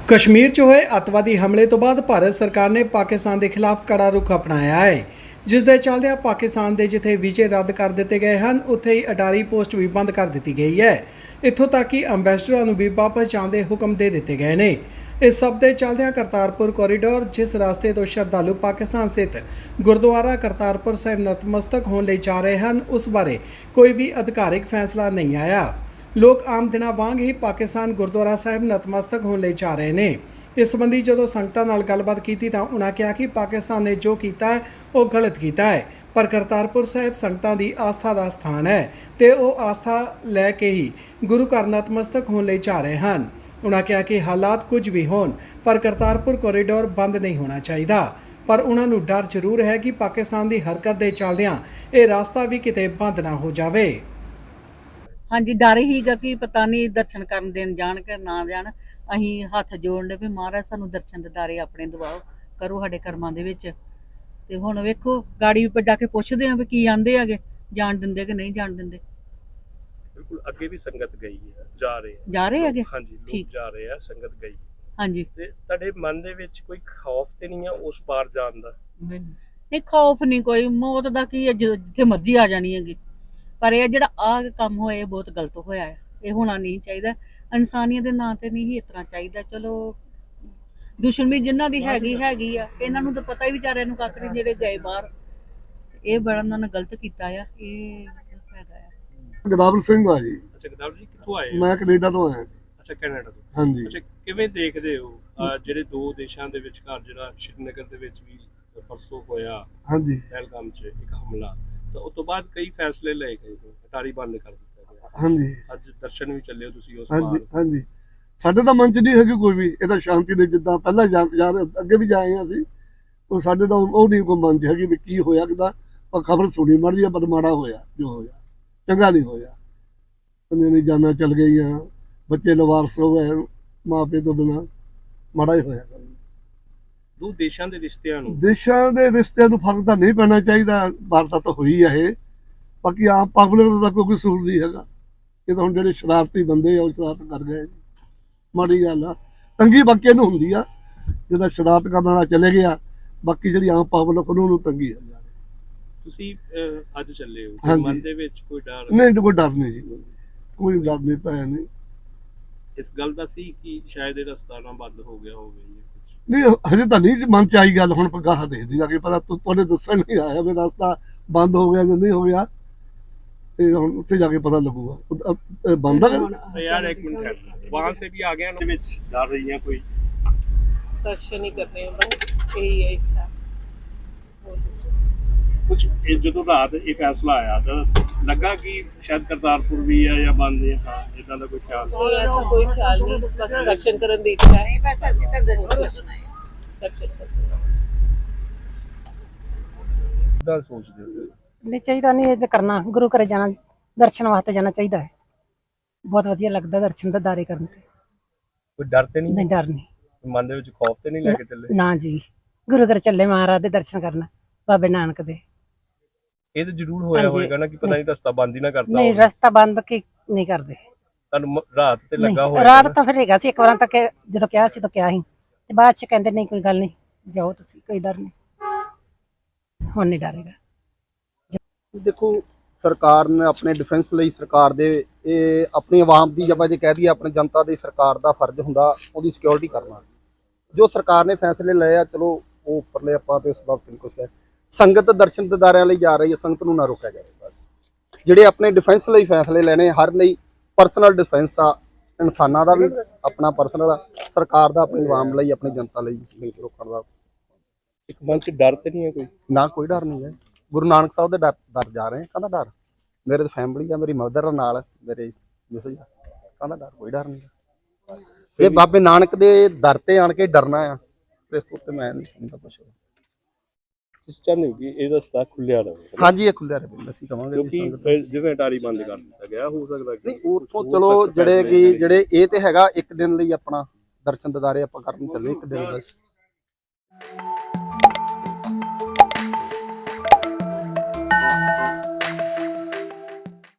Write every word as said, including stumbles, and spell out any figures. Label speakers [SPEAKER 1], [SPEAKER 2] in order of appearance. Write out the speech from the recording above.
[SPEAKER 1] कश्मीर च होए अतवादी हमले तो बाद भारत सरकार ने पाकिस्तान के खिलाफ कड़ा रुख अपनाया है, जिस दे चलदे पाकिस्तान के जिथे वीजे रद्द कर दिए गए हैं उत्थे ही अटारी पोस्ट भी बंद कर दी गई है। इत्थों तक कि अंबैसडरां नूं भी वापस जाण दे हुक्म दे दिए गए ने। इस सब के चलदे करतारपुर कॉरीडोर जिस रास्ते तो श्रद्धालु पाकिस्तान स्थित गुरुद्वारा करतारपुर साहिब नतमस्तक होने लई जा रहे हैं उस बारे कोई भी अधिकारिक फैसला नहीं आया। लोग आम दिनों वांग ही पाकिस्तान गुरुद्वारा साहिब नतमस्तक होने लई जा रहे हैं। इस संबंधी जो संगतां नाल गलबात की तो उन्होंने कहा कि पाकिस्तान ने जो किया है वह गलत किया है, पर करतारपुर साहिब संगतां की आस्था का स्थान है तो वह आस्था लैके ही गुरु घर नतमस्तक होने लई जा रहे हैं। उन्होंने कहा कि हालात कुछ भी होन पर करतारपुर कॉरीडोर बंद नहीं होना चाहिए, पर उन्होंने डर जरूर है कि पाकिस्तान की हरकत के चलदियां यह रास्ता भी किते बंद ना हो जाए।
[SPEAKER 2] हाँ जी, डर हीगा कि पता नहीं दर्शन करन देन जाण के ना जाण। अहीं हੱਥ जोड़ने भी महाराज सानू दर्शन दिदारे अपने दवाओ करो साडे कर्मां दे विच। ते हुण वेखो गाड़ी पर जाके पुछदे आ भी की आंदे हैगे, जाण दिंदे कि नहीं जाण दिंदे।
[SPEAKER 3] बिल्कुल अगे भी संगत गई है, जा रहे हैं
[SPEAKER 2] जा रहे हैगे।
[SPEAKER 3] हाँ जी, लोग
[SPEAKER 2] ठीक।
[SPEAKER 3] जा रहे हैं, संगत गई
[SPEAKER 2] हाँ जी,
[SPEAKER 3] ते तुहाडे मन दे विच कोई खौफ ते नहीं है उस पार जाण दा?
[SPEAKER 2] नहीं खौफ नहीं कोई, मौत दा की है, जो जिथे मर्जी आ जानी हैगी। पर यह जिहड़ा आ काम होया ये बहुत गलत होया है, ये होना नहीं चाहिए। इंसानियत के नां ते नहीं इस तरह चाहिए। चलो दुश्मनी जिन्हां दी हैगी हैगी आ, इन्हां नूं तां पता ही बेचारिਆਂ ਨੂੰ ਕੱਖ ਨਹੀਂ ਜਿਹੜੇ गए बाहर। ਇਹ बड़ा ਉਹਨਾਂ ਨੇ गलत ਕੀਤਾ ਆ। ਇਹ ਹੈਗਾ ਆ।
[SPEAKER 4] ਗਦਾਵਰ ਸਿੰਘ ਆ ਜੀ।
[SPEAKER 3] ਅੱਛਾ ਗਦਾਵਰ ਜੀ ਕਿੱਥੋਂ ਆਏ ਹੋ?
[SPEAKER 4] ਮੈਂ ਕੈਨੇਡਾ ਤੋਂ ਆਇਆ।
[SPEAKER 3] ਅੱਛਾ ਕੈਨੇਡਾ ਤੋਂ।
[SPEAKER 4] ਹਾਂਜੀ।
[SPEAKER 3] ਅੱਛਾ ਕਿਵੇਂ ਦੇਖਦੇ ਹੋ ਅਹ ਜਿਹੜੇ ਦੋ ਦੇਸ਼ਾਂ ਦੇ ਵਿਚਕਾਰ ਜਿਹੜਾ ਸ਼੍ਰੀਨਗਰ ਦੇ ਵਿੱਚ ਵੀ ਪਰਸੋਂ ਹੋਇਆ
[SPEAKER 4] ਹਾਂਜੀ
[SPEAKER 3] ਪਹਿਲਗਾਮ 'ਚ ਇੱਕ ਹਮਲਾ, ਤਾਂ ਉਸ ਤੋਂ ਬਾਅਦ ਕਈ ਫੈਸਲੇ ਲਏ ਗਏ ਨੇ, ਅਟਾਰੀ ਬੰਦ ਕਰ ਦਿੱਤਾ ਗਿਆ।
[SPEAKER 4] ਹਾਂਜੀ
[SPEAKER 3] ਅੱਜ ਦਰਸ਼ਨ ਵੀ ਚੱਲੇ ਹੋ ਤੁਸੀਂ ਉਸ
[SPEAKER 4] ਹਾਂਜੀ
[SPEAKER 3] ਪਾਰ।
[SPEAKER 4] ਹਾਂਜੀ ਸਾਡੇ ਤਾਂ ਮਨ ਚ ਨਹੀਂ ਹੈਗੀ ਕੋਈ ਵੀ, ਇਹ ਤਾਂ ਸ਼ਾਂਤੀ ਦੇ ਜਿੱਦਾਂ ਪਹਿਲਾਂ ਜਾ ਜਾ ਰਹੇ- ਅੱਗੇ ਵੀ ਜਾਏ ਆ ਅਸੀਂ, ਉਹ ਸਾਡੇ ਤਾਂ ਉਹ ਨਹੀਂ ਕੋਈ ਮਨ ਚ ਹੈਗੀ ਵੀ ਕੀ ਹੋਇਆ ਕਿਦਾ। ਪਰ ਖਬਰ ਸੁਣੀ ਮਰਦੀ ਆ, ਪਰ ਮਾੜਾ ਹੋਇਆ ਜੋ ਹੋਇਆ, ਚੰਗਾ ਨਹੀਂ ਹੋਇਆ। ਬੰਦੇ ਨੇ ਜਾਨਾਂ ਚੱਲ ਗਈਆਂ, ਬੱਚੇ ਲਵਾਰਸ ਹੋ ਗਏ ਮਾਂ ਪਿਓ ਤੋਂ ਬਿਨਾਂ, ਮਾੜਾ ਹੀ ਹੋਇਆ।
[SPEAKER 3] ਦੋ ਦੇਸ਼ਾਂ ਦੇ ਰਿਸ਼ਤਿਆਂ ਨੂੰ
[SPEAKER 4] ਦੇਸ਼ਾਂ ਦੇ ਰਿਸ਼ਤਿਆਂ ਨੂੰ ਫਰਕ ਤਾਂ ਨਹੀਂ ਪੈਣਾ ਚਾਹੀਦਾ, ਵਾਰਤਾ ਤਾਂ ਹੋਈ ਆ ਇਹ। ਬਾਕੀ ਆਮ ਪਬਲਿਕ ਦਾ ਤਾਂ ਕੋਈ ਕਸੂਰ ਨਹੀਂ ਹੈਗਾ। ਇਹ ਤਾਂ ਹੁਣ ਜਿਹੜੇ ਸ਼ਰਾਰਤੀ ਬੰਦੇ ਆ ਉਹ ਸ਼ਰਾਰਤ ਕਰ ਗਏ, ਮਾੜੀ ਗੱਲ ਆ। ਤੰਗੀ ਬਾਕੀ ਨੂੰ ਹੁੰਦੀ ਆ ਜਿਹਦਾ ਸ਼ਰਾਰਤ ਕਰਨ ਵਾਲਾ ਚਲੇ ਗਿਆ, ਬਾਕੀ ਜਿਹੜੀ ਆਮ ਪਬਲਿਕ ਉਹਨੂੰ ਤੰਗੀ ਆ ਜਾ ਰਹੀ।
[SPEAKER 3] ਤੁਸੀਂ ਅਹ, ਅੱਜ ਚੱਲੇ ਹੋ,
[SPEAKER 4] ਹਾਂਜੀ।
[SPEAKER 3] ਮਨ ਦੇ ਵਿੱਚ ਕੋਈ ਡਰ
[SPEAKER 4] ਨਹੀਂ ਕੋਈ ਡਰ ਨਹੀਂ ਜੀ, ਕੋਈ ਡਰ ਨਹੀਂ ਪਿਆ ਨਹੀਂ।
[SPEAKER 3] ਇਸ ਗੱਲ ਦਾ ਸੀ ਕਿ ਸ਼ਾਇਦ ਇਹ ਰਸਤਾ ਨਾ ਬੰਦ ਹੋ ਗਿਆ ਹੋਵੇ ਜਾਂ ਕੁਝ?
[SPEAKER 4] ਨਹੀਂ ਹਜੇ ਤਾਂ ਨਹੀਂ ਮਨ ਚ ਆਈ ਗੱਲ, ਹੁਣ ਪਗਾਹ ਦੇਖਦੀ ਜਾ ਕੇ ਪਤਾ। ਤੁਹਾਡੇ ਦੱਸਣ ਨਹੀਂ ਆਇਆ ਵੀ ਰਸਤਾ ਬੰਦ ਹੋ ਗਿਆ ਜਾਂ ਨਹੀਂ ਹੋ ਗਿਆ, ਤੇ ਹੁਣ ਉੱਥੇ ਜਾ ਕੇ ਪਤਾ ਲੱਗੂਗਾ ਬੰਦ ਆ।
[SPEAKER 3] तो यार एक मिनट है, वहाँ से भी आ गया ना विच डर रही है कोई?
[SPEAKER 5] दर्शन ही करने हैं बस, यही है इच्छा।
[SPEAKER 3] कुछ जो रात ये फैसला आया तो लगा कि शायद करतारपुर भी है या बंद है, हाँ इतना का कोई ख्याल
[SPEAKER 5] नहीं, ऐसा कोई ख्याल नहीं, बस दर्शन करने की इच्छा है। बस ऐसे तक दर्शन करना है, दर्शन करना।
[SPEAKER 3] कितना सोचते हो?
[SPEAKER 6] नहीं चाहिए नहीं, ये करना गुरु घर जाना, दर्शन वास्ते जाना चाहिए है। बहुत वधिया लगता दर्शन दीदारे करन ते।
[SPEAKER 3] कोई डर ते नहीं?
[SPEAKER 6] नहीं डर नहीं,
[SPEAKER 3] मन दे विच खौफ ते नहीं लेके चले?
[SPEAKER 6] ना जी, गुरु घर चले महाराज दे दर्शन करना, बाबे नानक दे।
[SPEAKER 3] ये तो जरूर होया
[SPEAKER 6] हाँ जी।
[SPEAKER 3] होएगा ना कि पता नहीं रास्ता बंद ही ना करता
[SPEAKER 6] नहीं
[SPEAKER 3] हो।
[SPEAKER 6] रास्ता बंद की नहीं करते।
[SPEAKER 3] ਤੁਹਾਨੂੰ ਰਾਤ ਤੇ ਲੱਗਾ
[SPEAKER 6] नहीं,
[SPEAKER 3] ਹੋਇਆ
[SPEAKER 6] रात तो फिर हैगा सी, एक बार तक ਜਦੋਂ ਕਿਹਾ ਸੀ ਤਾਂ ਕਿਹਾ ਸੀ, ਤੇ ਬਾਅਦ ਚ ਕਹਿੰਦੇ ਨਹੀਂ ਕੋਈ ਗੱਲ ਨਹੀਂ, ਜਾਓ ਤੁਸੀਂ, ਕੋਈ ਡਰ ਨਹੀਂ, ਹੁਣ ਨਹੀਂ ਡਰੇਗਾ।
[SPEAKER 7] देखो सरकार ने अपने डिफेंस ਲਈ ਸਰਕਾਰ ਦੇ ਇਹ ਆਪਣੀ ਆਵਾਮ ਦੀ ਜਬ ਜੇ ਕਹਿ ਦਈਏ ਆਪਣੀ ਜਨਤਾ ਦੀ ਸਰਕਾਰ ਦਾ ਫਰਜ਼ ਹੁੰਦਾ ਉਹਦੀ ਸਿਕਿਉਰਿਟੀ ਕਰਨਾ। ਜੋ ਸਰਕਾਰ ਨੇ ਫੈਸਲੇ ਲਏ ਆ ਚਲੋ ਉਹ ਉੱਪਰਲੇ ਆਪਾਂ ਤੇ ਉਸ ਬਾਬਤ ਨਹੀਂ ਕੁਝ ਕਹਿ। ਸੰਗਤ ਦਰਸ਼ਨ ਦਿਦਾਰਿਆਂ ਲਈ ਜਾ ਰਹੀ ਹੈ, ਸੰਗਤ ਨੂੰ ਨਾ ਰੋਕਿਆ ਜਾਵੇ। ਬਸ ਜਿਹੜੇ ਆਪਣੇ ਡਿਫੈਂਸ ਲਈ ਫੈਸਲੇ ਲੈਣੇ ਹਰ ਲਈ ਪਰਸਨਲ ਡਿਫੈਂਸ ਆ, ਇਨਸਾਨਾਂ ਦਾ ਵੀ ਆਪਣਾ ਪਰਸਨਲ ਆ, ਸਰਕਾਰ ਦਾ ਆਪਣੀ ਆਵਾਮ ਲਈ ਆਪਣੀ ਜਨਤਾ ਲਈ ਮਿਲ ਕੇ ਰੋਕਣ ਦਾ।
[SPEAKER 3] ਇੱਕ ਮਨ ਚ ਡਰ ਤੇ ਨਹੀਂ ਹੈ ਕੋਈ?
[SPEAKER 7] ਨਾ ਕੋਈ ਡਰ ਨਹੀਂ ਹੈ। ਗੁਰੂ ਨਾਨਕ ਸਾਹਿਬ ਦੇ ਡਰ ਡਰ ਜਾ ਰਹੇ ਕਹਿੰਦਾ ਡਰ ਮੇਰੇ ਤਾਂ ਫੈਮਿਲੀ ਆ, ਮੇਰੀ ਮਦਰ ਨਾਲ ਮੇਰੇ ਮਿਸਿਸ ਆ, ਕਹਿੰਦਾ ਡਰ ਕੋਈ ਡਰ ਨਹੀਂ। ਇਹ ਬਾਬੇ ਨਾਨਕ ਦੇ ਦਰ ਤੇ ਆਣ ਕੇ ਡਰਨਾ ਆ, ਇਸ ਤੋਂ ਉੱਤੇ ਮੈਂ ਨਹੀਂ ਸਮਝਦਾ ਕੁਛ।
[SPEAKER 3] ਤੁਸੀਂ ਚਾਹੁੰਦੇ ਹੋ ਕਿ ਇਹ ਰਸਤਾ ਖੁੱਲਿਆ ਰਹੇ?
[SPEAKER 7] ਹਾਂਜੀ ਇਹ ਖੁੱਲਿਆ ਰਹੇ ਅਸੀਂ ਕਹਾਂਗੇ,
[SPEAKER 3] ਕਿਉਂਕਿ ਫਿਰ ਜਿਵੇਂ ਅਟਾਰੀ ਬੰਦ ਕਰ ਦਿੱਤਾ ਗਿਆ, ਹੋ ਸਕਦਾ ਕਿ
[SPEAKER 7] ਨਹੀਂ ਉੱਥੋਂ ਚਲੋ ਜਿਹੜੇ ਕਿ ਜਿਹੜੇ ਇਹ ਤੇ ਹੈਗਾ ਇੱਕ ਦਿਨ ਲਈ ਆਪਣਾ ਦਰਸ਼ਨ ਦਿਦਾਰੇ ਆਪਾਂ ਕਰਨ ਚੱਲੇ ਇੱਕ ਦਿਨ ਬਸ।